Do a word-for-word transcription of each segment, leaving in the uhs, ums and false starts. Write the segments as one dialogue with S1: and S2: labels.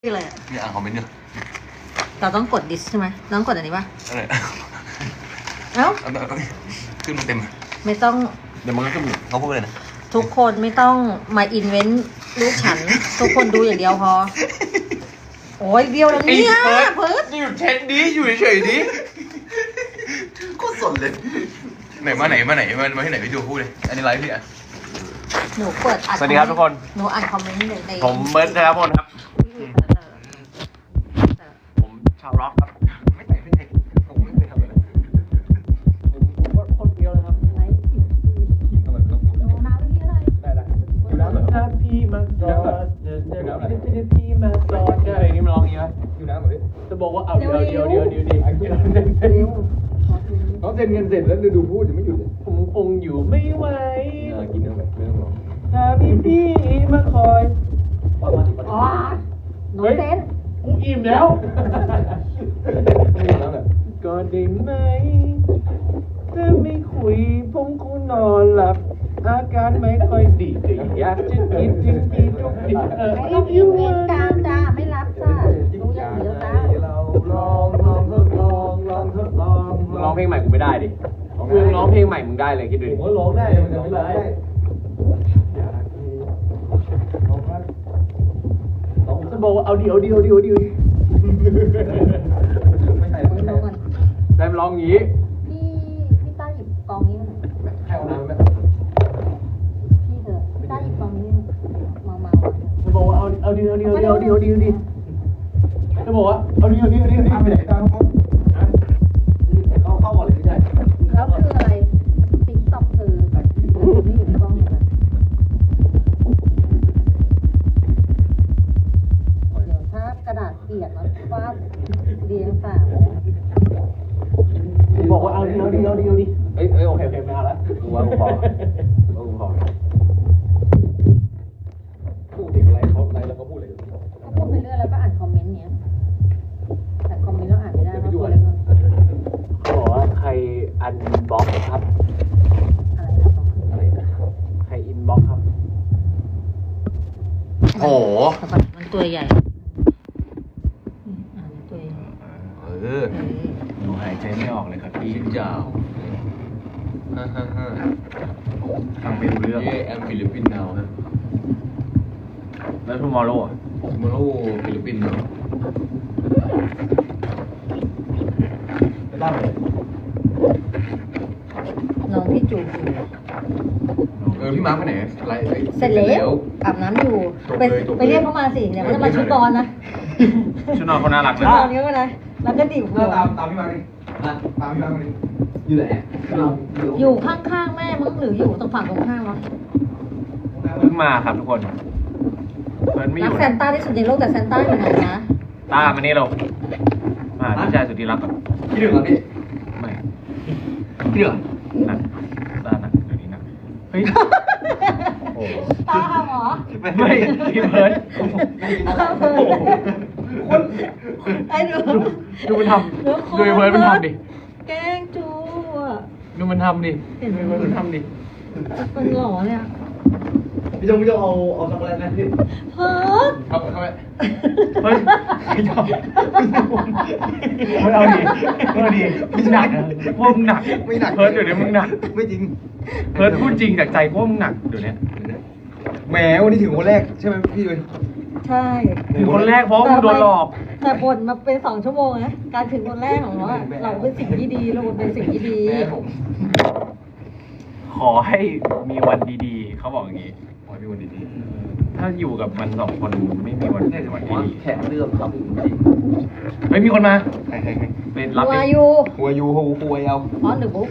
S1: อะไรอ่ะ
S2: นี่อ่านคอมเมนต์อยู่
S1: เราต้องกดดิสใช่ไหมต้องกดอันนี้ป่ะ
S2: อะไร
S1: เอ้า
S2: ขึ้นมาเต็ม
S1: ไม่ต้อง
S2: เดี๋ยวมันก็ขึ้นเขาพูดเลยนะ
S1: ทุกคนไม่ต้องมาอินเวนต์ลูกฉันทุกคนดูอย่างเดียวพอโอ้ยเดียวแล้วเนี่ยเพิร์ด
S2: อยู่เช็ดดีอยู่เฉยดีก็สนเลยไหนมาไหนมาไหนมามาที่ไหนไปดูพูดเลยอันนี้ไลฟ์พี่อ่ะ
S1: หนูเปิดอัด
S3: สวัสดีครับทุกคน
S1: หนูอ่านคอมเมนต์ใน
S3: ผมเบิร์ดนะครับผมครับผมชาวร็อกครับ
S2: ไม่แต่ไม่แต่ผมไม่เคยทำเลย
S3: ผมก็คนเดียวนะครับ
S1: ไลฟ์
S2: ทำไมต้องพูด
S1: น้ำพี่อะไร
S3: ได้ได้อยู่แล้วเหรอถ้าพี่มาจอดเดี๋ยวเดี๋ยวพี่มาจอดใช่อะไรนี่มันร้องอย่างนี้ไหม
S2: อยู่แล้วเหรอพี่
S3: จะบอกว่าเอาเดี๋ยวเดี๋ยวเดี๋ยวเดี๋ยวเดี๋ยว
S2: เขาเซ็นเงินเสร็จแล้วดูพูดยังไม่หยุดเลย
S3: ผมคงอยู่ไม่ไหว
S2: กินเนื้อแบบไม่ต้องรอ
S3: ถ้าพี่พี่มาคอย
S1: อ๋อหนูเต้น
S3: กูอิ่มแล้วก็ได้ไหมถ้าไม่คุยผมคงนอนหลับอาการไม่ค่อยดีแต่อยากจะกินจริงจริงทุกทีเออ
S1: ไอ้พี่เองตามจ้าไม่รับจ้ารู้อย่างเดียวจ้า
S2: เราลองลองทดลองลองทดลอง
S3: ร้องเพลงใหม่กูไม่ได้ดิมึงร้องเพลงใหม่มึงได้เลยคิดดูดิ
S2: ผมก็ร้องได้มันจะไม่ได้
S3: จะบอกว่าเอาดีเอาดีเอาดีเอาดี
S2: ไม่ใส่ไม่ใส่
S3: ได้ร้องงี้
S1: พี่พี่ต้าหยิบกองนี้มาหน่อย
S2: ให้เอาน้ำไหม
S1: พี่เถอะพี่ต้าหยิบกองนี้มามา
S3: จะบอกว่าเอาเอาดีเอาดีเอาดีเอาดีเอาดีเอาดีจะบอกว่าเอาดีเอาดีเอาดีเอาดี
S2: ไปไหนตามเขาเข้าเข้าก่อนเลยไม่ได้
S1: แล้วคืออะไรติ๊กต็อกคือไม่อยู่ในกล้องเหมือนกันเดี๋ยวถ้ากระดาษเปียกแล้วฟาดเรียงสาม
S3: บอกว่าเอาดีเอาดีเอาดีเอาดีเอ้ยเอ้ยโอเคโอเคไม่เอาละกูว่ากูพอกูพอ
S2: พูดถึงอะไรเขาอะไรแล้วก็พูดเลย
S1: ก็พูดไปเรื่อยแล้วก็อ่านคอมเมนต์เนี้ยแต่คอมเมนต์เราอ่านไม่ได้เพราะตัวเล็กมาก
S3: เขาบอกว่าใครอันบล็อกครับ
S1: อะไรนะ
S3: อะไรนะใครอินบล็อกครับ
S2: โอ้โห
S1: มันตัวใหญ่อ่านตัวใหญ่
S2: เออ
S3: หนูหายใจไม่ออกเลยครับพี่
S2: ยาวฮ่าฮ่าฮ่า
S3: ฟังไม่รู้เรื่อง
S2: เย่แอมฟิลิปปินส์นาวนะ
S3: แล้วทูมอร์โร่
S2: ทูมอร์โร่ฟิลิปปินส์นาวจะได้ไหม
S1: น้องพี่จูบอยู่
S2: เออพี่มาร์คไปไหนไลฟ์
S1: เสร็จแล้วอาบน้ำอยู่ไปไปเรียกเขามาสิเดี๋ยวเขาจะมาชุดนอนนะ
S3: ชุดนอนเขาน่ารักเลย
S1: ชุดนอนเยอะเลยแล้วก็ดิบหัว
S2: ตามตามพี่มาร์คดิตามพี่มาร์คดิอยู่ไหน
S1: อยู่ข้างๆแม่มึงหรืออยู่ตรงฝั่งตรงข้างวะ
S3: เพิ่งมาครับทุกคนเพิ่นไม่อยู่
S1: รักแซนต้าที่สุดในโลกแต่แซนต้าอยู่ไหนนะ
S3: ต้ามานี่เรามาพี่ชายสุดที่รักก่อน
S2: พี่ดึงเหรอพี่
S3: ไม่
S2: พี่ดึง
S3: นั่นต้านั่นเดี๋ยวนี้นั่นเฮ้ย
S1: โอ้ตาหรอ
S3: ไม่พี่เพิร์ด
S1: ไอ้ดู
S3: ดูมันทำดูเพิร์ดมันทำดิ
S1: แกงจูอ่ะ
S3: ดูมันทำดิดูเพิร์ดมันทำดิ
S1: มันหล่อเนี่ย
S2: พี่จงพี่จงเอาเอาช็อกโกแลตไหมพี่
S1: เพิร์ด
S2: เข้าเข้าไป
S3: เฮ้ยไม่ชอบไม่เอาดิไม่เอาดิมึงหนักพวกมึงหนัก
S2: ไม่หนัก
S3: เพิร์ดเดี๋ยวนี้มึงหนัก
S2: ไม่จริง
S3: เพิร์ดพูดจริงจากใจพวกมึงหนักเดี๋ยวนี้
S2: แหมวันนี้ถึงคนแรกใช่ไหมพี่ด้วย
S1: ใช่
S3: ถึงคนแรกเพราะมึงโดนหลอก
S1: แต่บ่นมาเป็นสองชั่วโมงนะการถึงคนแรกของเราเราเป็นสิ่งที่ดีเราเป็นสิ่งที่ดี
S3: ขอให้มีวันดีๆเขาบอกอย่างนี้
S2: ขอให้มีวันดี
S3: ๆถ้าอยู่กับมันสองคนไม่มีวันวันดี
S2: แขกเรื่องครับจริง
S3: ไม่มีคนมา
S2: ใครใครใคร
S3: เป็นรับ
S1: หัวยู
S2: หัวยูหัวหัวเอา
S1: อ๋อหนึ่งบุ๊ก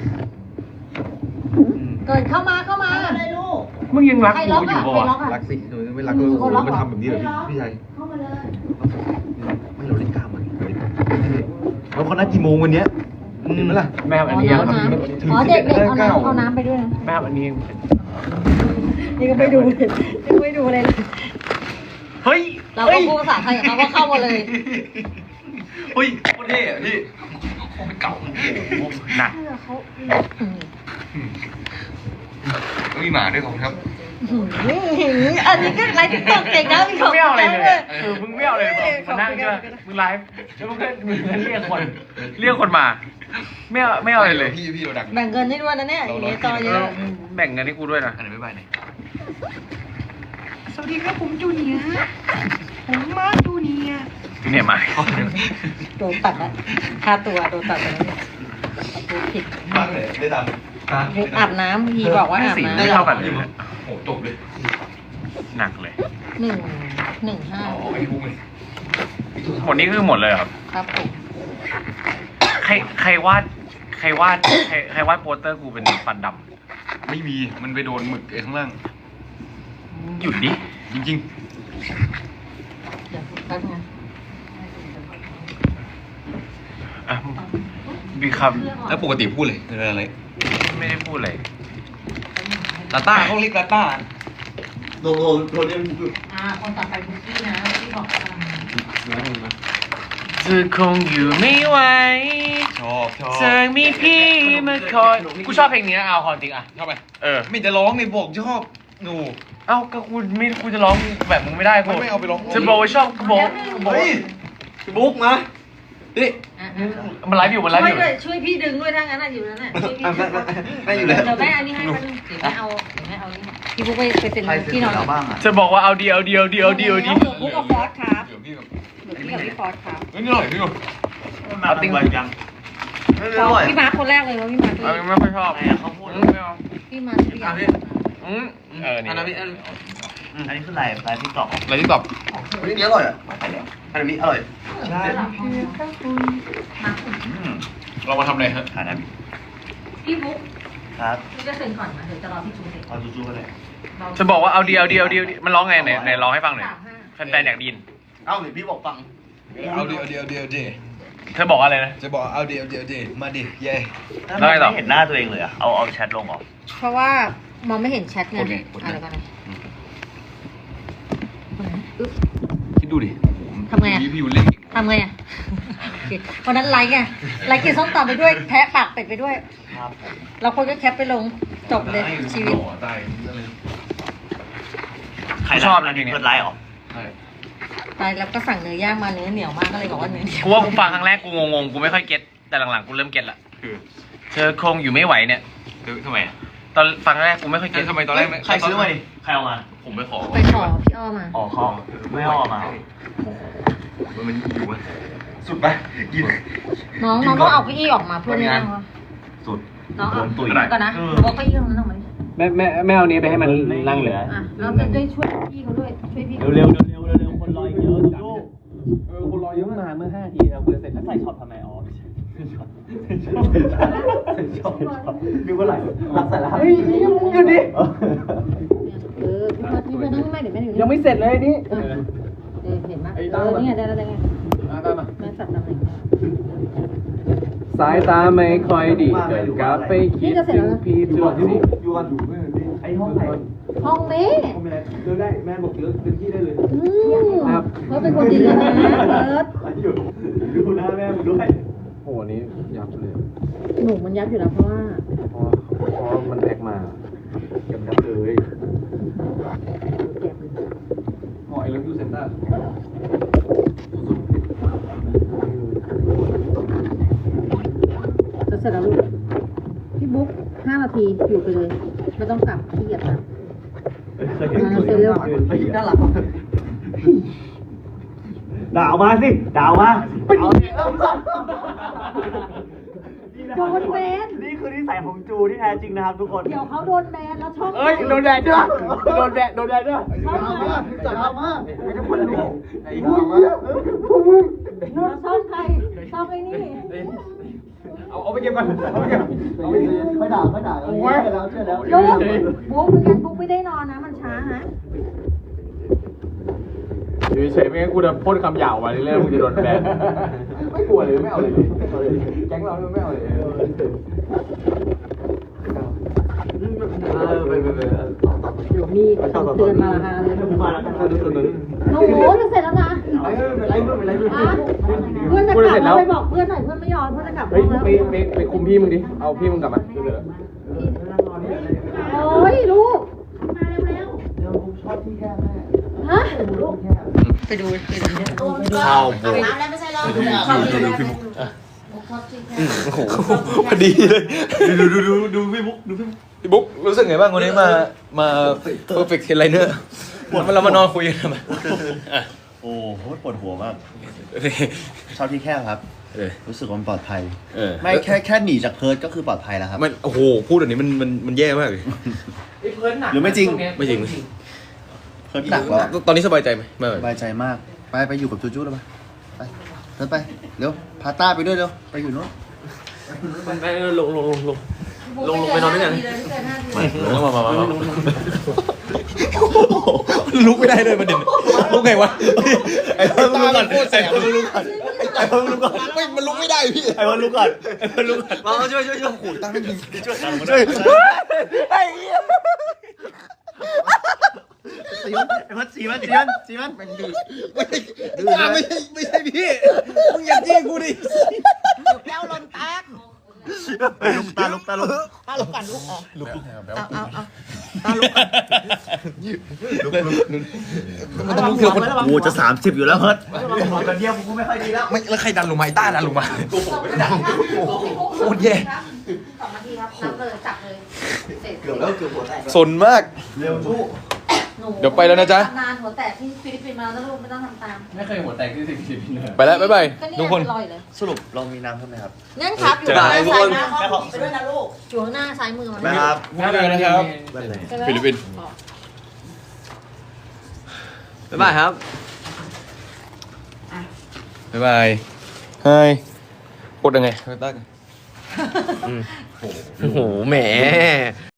S1: เกิดเข้ามาเข้ามาอะไรลูก
S3: มึงยังรักกูอยู่ป่ะ
S2: รักสิไม่รักก็มันทำแบบนี้เลยพี่ชาย
S1: เข้ามาเลย
S2: ไม่เราเล่นกล้ามมันแล้วเขานัดกี่โมงวันเนี้ยเห็นไหมล่ะ
S3: แม่อันนี้
S1: อ๋อเด็กเด็กเอาน้ำเอาน้ำไปด้วยนะ
S3: แม่อันนี้
S1: นี่ก็ไม่ดูเลยนี่ไม่ดูเลย
S3: เฮ้ย
S1: เราก็พูดภาษาไทยกับเขาว่าเข้ามาเลย
S2: เฮ้ยโคตรเท่อะพี่โคตรเก่า
S3: หนัก
S1: เขา
S2: มีหมาด้วยของครับ
S1: อันนี้ก็ไลฟ์ติ๊กต็อกเก่งนะมีของ
S3: ไม่เอาอะไรเลย
S1: เลย
S3: เออมึงไม่เอาอะไรเลยมานั่งใช่ไหมมึงไลฟ์แล้วมึงก็มึงก็เรียกคนเรียกคนมาไม่เอาไม่เอาอะไรเลย
S2: พี่พี่เราดัง
S1: แบ่งเงินให้ด้วยนะเนี่ยอย่างเงี้ยต่อเย
S3: แล้
S1: อะ
S3: วแบ่งเงินให้กูด้วยนะ
S2: อันไหนไม่บายไหน
S4: สวัสดีครับผมจูเนียร์ผมมาร์คจูเนียร์
S3: ที่เนี่ยมา
S1: โดนตัดละค่าตัวโดนตัดไปแล้วเนี่ยดูผิด
S2: บ้างเลยได้ดัง
S1: อาบน้ำพี่บอกว่าอาบ
S3: สี
S1: น้ำ
S3: ไม่เท่ากันเลย
S2: โอ้จบเลย
S3: หนักเลย
S1: หนึ่งหนึ่งห้า
S2: อ๋อไอ้พุ่งเลย
S3: หมดนี้คือหมดเลยเหรอครับ
S1: ครับผม
S3: ใครใครวาดใครวาดใครใครวาดโปสเตอร์กูเป็นฟันด
S2: ไม่มีมันไปโดนหมึกไอ้ข้างล่าง
S3: ำหยุดดิ
S2: จริง
S1: เดี๋ยวแป๊บนึง
S3: อ่ะมีค
S2: ๆแล้วปกติพูดเลยเป็นอะไร
S3: ำไม่ได้พูดเลย
S2: ลาต้าเขาเรียกลาต้าโดนโดนโดนเรียก
S1: อ่าคนต่อไปบุกกี้นะที่บอกอ่า
S3: เธอคงอยู่ไม่ไหว
S2: ชอบชอบ
S3: เธอมีพี่มาคอยกูชอบเพลงนี้นะเอาความจริงอ่ะ
S2: ชอบไป
S3: เออ
S2: ไม่จะร้องในบอกชอบหนู
S3: เอ้าก็กูไม่กูจะร้องแบบมึงไม่ได้กู
S2: ไม่ไม่เอาไปร้อง
S3: จะบอกว่าชอบกูบอกบอก
S2: เฮ้ยบุ๊กมาดิ
S1: อ่ะ
S3: มันไลฟ์อยู่มันไลฟ์
S1: ช่
S3: อ
S1: วย
S3: ยู่
S1: ด้วยช่วยพี่ดึงด้วยถ้างั้นน่ะอยู่นั่นน่ะช่วยพี่ดึง
S2: ไม่อยู่เลย
S1: เดี๋ยวแม่อันนี้ให้แป๊บนึงเดี๋ยวแม่เอาเดี๋ยวแม่เอานี่พี่บุ๊กไปไปเซ็นที่นอน
S2: บ้างอ่ะ
S3: จะบอกว่าเอาดีเอาดีเอาดีเอาดีเอาดี
S1: เดี๋ยวบุ๊กเอาฟอสครับ
S2: เดี๋ยวพี่แบบ
S1: เดี๋ยวพี่กับพี่ฟอสครับ
S2: เฮ้ยนี่อร่อยพี่ดู
S3: เอาติ้ง
S2: ยัง
S1: ฟอสพี่มาร์คคนแรกเลยว่าพี่มาร์ค
S3: เอาไม่ค่อยชอบเขาพูดไม่เอา
S1: พี่มาร์คพี่อยาก
S3: อืมเออนี่
S2: อันนั้นพี่อัน
S5: อันนี้คืออะไรไลฟ์ทิกตอก
S2: อะไรที่ตอบอันนี้อร่อยอ่ะอันนี้อร่อย
S5: ใช่
S2: เรามาทำอะไรฮะ
S5: หานะ
S1: พี่บุ๊ก
S5: ครับ
S1: พี่จะเซ็นก่อนนะเดี๋ยวจะรอพี่ชูเซ็น
S5: เอาจู้ๆกันเลย
S3: จะบอกว่าเอาดีเอาดีเอาดีมันร้องไงไหนไหนร้องให้ฟังหน่อยแฟนๆอยากได้ยิน
S5: เอ้าเดี๋ยวพี่บอกฟัง
S2: เอาดีเอาดีเอาดีเอาดี
S3: เธอบอกว่าอะไรนะ
S2: จะบอกเอาดีเอาดีเอาดีมาดิเย่
S3: แล้วไงต่อ
S5: ไม่เห็นหน้าตัวเองเลยอะเอาเอาแชทลงเหรอ
S1: เพราะว่ามองไม่เห็นแชทไงอะไรกันนะ
S2: คิดดูดิ
S1: ทำไงอะ
S2: พี่ยูเล่นเก่ง
S1: ทำไงอ่ะโอเควันนั้นไลค์ไงไลค์กินส้มตำไปด้วยแพะปากเป็ดไปด้วย
S5: ครับผม
S1: เราคนก็แคปไปลงจบเลยชีวิต
S2: ตายอะไร
S5: ใคร
S3: ชอบนะเพลงนี้
S5: เพื่อนไลฟ์เหรอ
S2: ใช่
S1: ตายแล้วก็สั่งเนื้อย่างมาเนื้อเหนียวมากก็เลยบอกว่าเนื้อเหนียว
S3: กูว่ากูฟังครั้งแรกกูงงๆกูไม่ค่อยเก็ตแต่หลังๆกูเริ่มเก็ตละ
S2: คือ
S3: เธอคงอยู่ไม่ไหวเนี่ย
S2: คือทำไมอ่ะ
S3: ตอนฟังครั้งแรกกูไม่ค่อยเก็ต
S2: ทำไมตอนแรกไม่
S5: ใครซื้อมาดิใครเอามา
S2: ผมไปขอ
S1: ไปขอพี่อ้อมา
S5: อ๋อเขาไม่เอาเอามา
S2: มันอยู่มั้ยสุดไปกิน
S1: น้องน้องต้องเอาเก้าอี้ออกมาเพื่อนนั่งวะ
S5: สุด
S1: น้องเอา
S5: ตุ๋ย
S1: ก่อนนะบอกเก้าอี้ตรงนั้นออกมาดิ
S3: แม่แม่แม่เอานี้ไปให้มันนั่งเหลือ
S1: อ่ะเราจะได้ช่วยพี่เขาด้วยช่วยพี่
S5: เร็วเร็วเร็วเร็วเร็วคนรอเยอะจู้
S3: เออคนรอเยอะมานเมื่อห้าทีแล้วกูจะเสร็จ
S5: แล้วใส่ช็อตทำไมอ๋อช็อตช็อตช็อตดูว่าไหลรักใส่แล้ว
S3: เฮ้ยหยุดดิ
S1: เออพี่พอพี่ไปนั่งไม่เดี๋ยวแม่อยู่
S3: ยังไม่เสร็จเลยนี่
S1: เออเห็นไหมเออนี่ไงได้แล้วได้ไงแม่สับตำแหน่ง
S3: สายตาไม่ค่อยดีเกิดกลับไปคิดถึงพี่ตัวที่
S5: อยู่กันอยู่ไอห้องไหน
S1: ห้องนี้
S5: เดินได้แม่บอกเดินเดินที่ได้เลย
S1: อืมเพิร์ดเป็นคนดีนะเพิร์ด
S5: อยู่ดูหน้าแม่มึงด้วย
S3: โหนี้ยับเลย
S1: หนูมันยับอยู่แล้วเพราะว่า
S3: เพราะเพราะมันแพ็กมายับยับเลย
S1: เก็บ
S3: หอยแล้วยูเซนต้า
S1: จะเสร็จแล้วลูกพี่บุ๊กห้านาทีอยู่ไปเลยไม่ต้องกลับขี้เกียจนะ
S5: เคยเห็น
S1: มาเสร็จเร็ว
S5: น่ารักด่ามาสิด่ามา
S1: โดนแบน
S5: นี่คือนิสัยของจูที่แท้จริงนะครับทุกคน
S1: เดี๋ยวเขาโดนแบนแล้วช่อง
S3: เอ้ยโดนแดดด้วยโดนแดดโดนแดดด้วย
S1: ช่องใคร
S5: จัดมาไม่ต้องคนรู้
S2: ไอ้ห่ามา
S1: แล้วช่องใครช่องไอ้นี่
S3: เอาเอาไปเก็บก่อนเอาไปเก็บเอาไปเก็บ
S5: ไม่ด่าไม่ด่าเชื่อแล้วเชื่อแล้ว
S1: ลูกบุ๊กไม่งั้นบุ๊กไม่ได้นอนนะมันช้านะ
S3: อยู่เฉยๆไม่งั้นกูจะพ่นคำหยาบมาเรื่อยๆมึงจะโดนแบนไม่กลัวเลยไม่เอาเลยแก๊งเราไม่เอาเลย
S5: ไปไปไป
S1: เดี๋ยวมีเตือนมาฮะเลย
S5: มาแล้วกันทุกคน
S1: โอ้โหจะเสร็จแล้วนะ
S5: ไม่เป็นไรไม่เป็นไรไม่เป็นไร
S1: เพื่อนจะกลับเราไปบอกเพื่อนหน่อยเพื่อนไม่ยอมเพื่อนจะกลับ
S3: เฮ้ย
S1: แล้ว
S3: ไปไปไปคุมพี่มึงดิเอาพี่มึงกลับมา
S1: โอ้ยลูกมาเร็ว
S5: ชอบที่แค่แม่
S1: ฮะ
S5: ลูกแค่
S1: ไปดูไปดูเนี่ย
S2: ข้าวบวก
S6: น้ำแล้วไม่ใช่หรอ
S2: ดูพี่บุ๊ก
S6: ชอบที่แค่
S2: โอ้โหพอดีเลย
S5: ดูดูดูดูพี่บุ๊กดูพี่บุ๊ก
S2: พี่บุ๊กรู้สึกไงบ้างวันนี้มามาเพอร์เฟกต์เทนไลเนอร์มันเรามานอนคุยกันทำไมอ่ะ
S5: โอ้โหปวดหัวมากชอบที่แค่ครับ
S2: เออ
S5: รู้สึกว่ามันปลอดภัย
S2: เออ
S5: ไม่แค่แค่หนีจากเพิร์ดก็คือปลอดภัยแล้วครับ
S2: มันโอ้โหพูดแบบนี้มันมันมันแย่มากเลย
S3: ไอ้เพิร์นหนัก
S5: หรือไม่จริง
S2: ไม่จริง
S5: เพิร์ดหนักแล้ว
S2: ตอนนี้สบายใจไหมไม่
S5: สบายใจมาก ไปไปอยู่กับจูจูแล้วไปไปเดินไปเร็วพาต้าไปด้วยเร็วไปอยู่นู้น
S3: ไปลงลงลงลง ลงลงไปนอนด้วยกัน
S2: มามามามาลุกไม่ได้เลยประเด็นลุกไงวะไอ้ตามันโคตรแสบมันลุกก่อนไอ้มันลุกก่อนไม่มันลุกไม่ได้พี่ไอ้มันลุกก่อนไอ้มันลุกก่อนมาช่วยช่วยช่วยขู่ตั้งไม่ยิงช่วยช่วยไอ้เหี้ย
S5: สีมันไอ้พัดสีมันสีมันสีมันมันดื้อ
S2: ไม่ใช่ไม่ใช่พี่มึงอย่าจี้กูดิ
S6: แก้วลมแตก
S5: ลุกตาลุกตาลุก
S6: ตาลุกกันลุกออก
S2: ลุก
S6: เอาเอาเอา
S2: มันต้องลุกทีละคน
S5: โอ้จะสามสิบอยู่แล้วเพิร์ดกันเดียวกูไม่ค่อยดีแล้ว
S2: ไม่แล้วใครดันลงมาไอ้ต้าดันลงมาโคตรแย่
S6: สองนาทีครับนับเลยจับเลยเสร็จ
S5: เกือบแล้วเกือบหัวแตก
S2: สนมาก
S5: เร็วจู้
S2: เดี๋ยวไปแล้วนะจ๊ะ
S1: นานหัวแตกที่ฟิลิปปินส์มาแล้วลูกไม่ต้องทำตาม
S3: ไม่เคยหัวแตกที่สิบสิบเลย
S2: ไปแล้วบ๊ายบาย
S1: ก็นี่
S2: ทุกคน
S1: ลอยเลย
S5: สรุปเรามีน้ำเพิ่มไหมครับ
S1: งั้นครับอยู่
S2: จะ
S1: ข้างหน้า
S2: ทุก
S1: ซ้า
S2: ค
S1: ย
S2: น
S1: มือ
S6: แค่ของไปด้วยนะลูก
S1: อยู่ข้างหน้าซ้ายมือมัน
S5: นะครับ
S2: ไม่เลยนะครับ ฟิลิปปินส์
S3: บ๊ายบายครับ
S2: บ๊ายบายไฮกดยังไงต้า
S3: โอ้โหแหม